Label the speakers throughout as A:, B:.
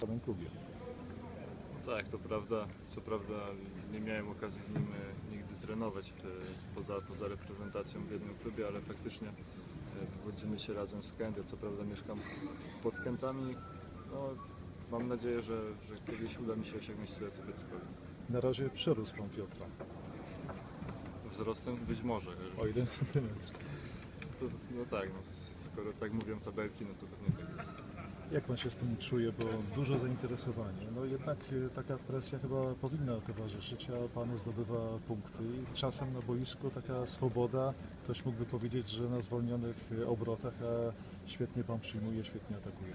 A: w samym klubie.
B: Tak, to prawda. Co prawda nie miałem okazji z nim nigdy trenować poza reprezentacją w jednym klubie, ale faktycznie wywodzimy się razem z Kędy. Co prawda mieszkam pod Kętami. No, mam nadzieję, że kiedyś uda mi się osiągnąć tyle co Piotrkowi.
A: Na razie przerósł pan Piotra
B: Wzrostem być może.
A: o 1 centymetr.
B: No tak, no, skoro tak mówią tabelki, no to pewnie tak jest.
A: Jak pan się z tym czuje, bo dużo zainteresowania. No jednak taka presja chyba powinna towarzyszyć, a pan zdobywa punkty. I czasem na boisku taka swoboda, ktoś mógłby powiedzieć, że na zwolnionych obrotach, a świetnie pan przyjmuje, świetnie atakuje.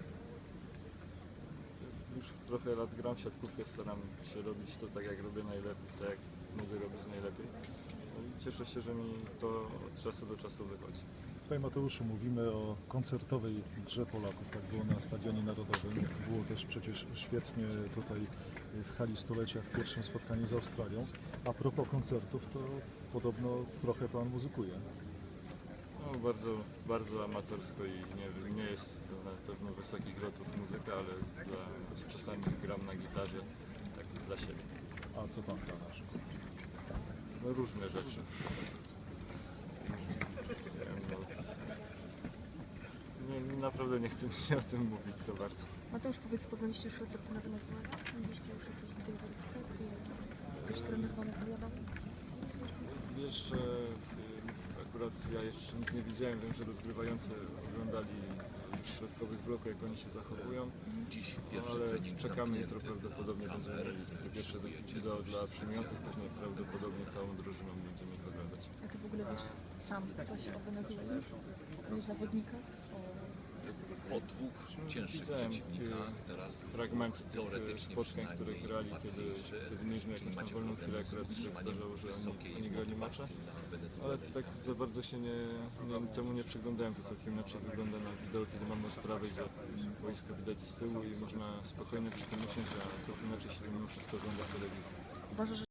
B: Już trochę lat gram w siatkówkę, staram się robić to tak jak robię najlepiej, tak jak mogę robić najlepiej. No i cieszę się, że mi to od czasu do czasu wychodzi.
A: Panie Mateuszu, mówimy o koncertowej grze Polaków, tak było na Stadionie Narodowym. Było też przecież świetnie tutaj w hali stulecia w pierwszym spotkaniu z Australią. A propos koncertów, to podobno trochę pan muzykuje.
B: No, bardzo amatorsko i nie jest to na pewno wysokich lotów muzyka, ale czasami gram na gitarze tak dla siebie.
A: A co pan gra na przykład?
B: No, różne rzeczy. Naprawdę nie chce mi się o tym mówić za bardzo.
C: Mateusz, powiedz, poznaliście już receptę na Wenezuelę? Mieliście już jakieś weryfikacje? Ktoś trener wam opowiadał?
B: Wiesz, akurat ja jeszcze nic nie widziałem, wiem, że rozgrywający oglądali w środkowych bloku, jak oni się zachowują, ale czekamy, jutro prawdopodobnie będziemy mieli takie pierwsze wideo dla przyjmujących, później prawdopodobnie całą drużyną będziemy ich oglądać.
C: A ty w ogóle wiesz sam coś o Wenezueli? O zawodnikach?
D: Po dwóch cięższych
B: Widziałem
D: przeciwnikach teraz
B: fragmenty tych
D: teoretycznie
B: spotkań, które
D: przynajmniej
B: grali,
D: łatwiejszy,
B: kiedy mieliśmy
D: czyli
B: jakąś tam
D: macie
B: wolną
D: problem
B: chwilę,
D: z
B: akurat się
D: utrzymaniem
B: zdarzało, że
D: wysokiej
B: oni grali mecze.
D: motywacji na Wenezuelę.
B: Ale tak za bardzo się temu nie przyglądałem, to całkiem inaczej wygląda na wideo, kiedy mamy odprawę, gdzie wojsko widać z tyłu i można spokojnie przy tym usiąść, a całkiem inaczej się mimo wszystko ogląda w telewizji.
C: Uważasz, że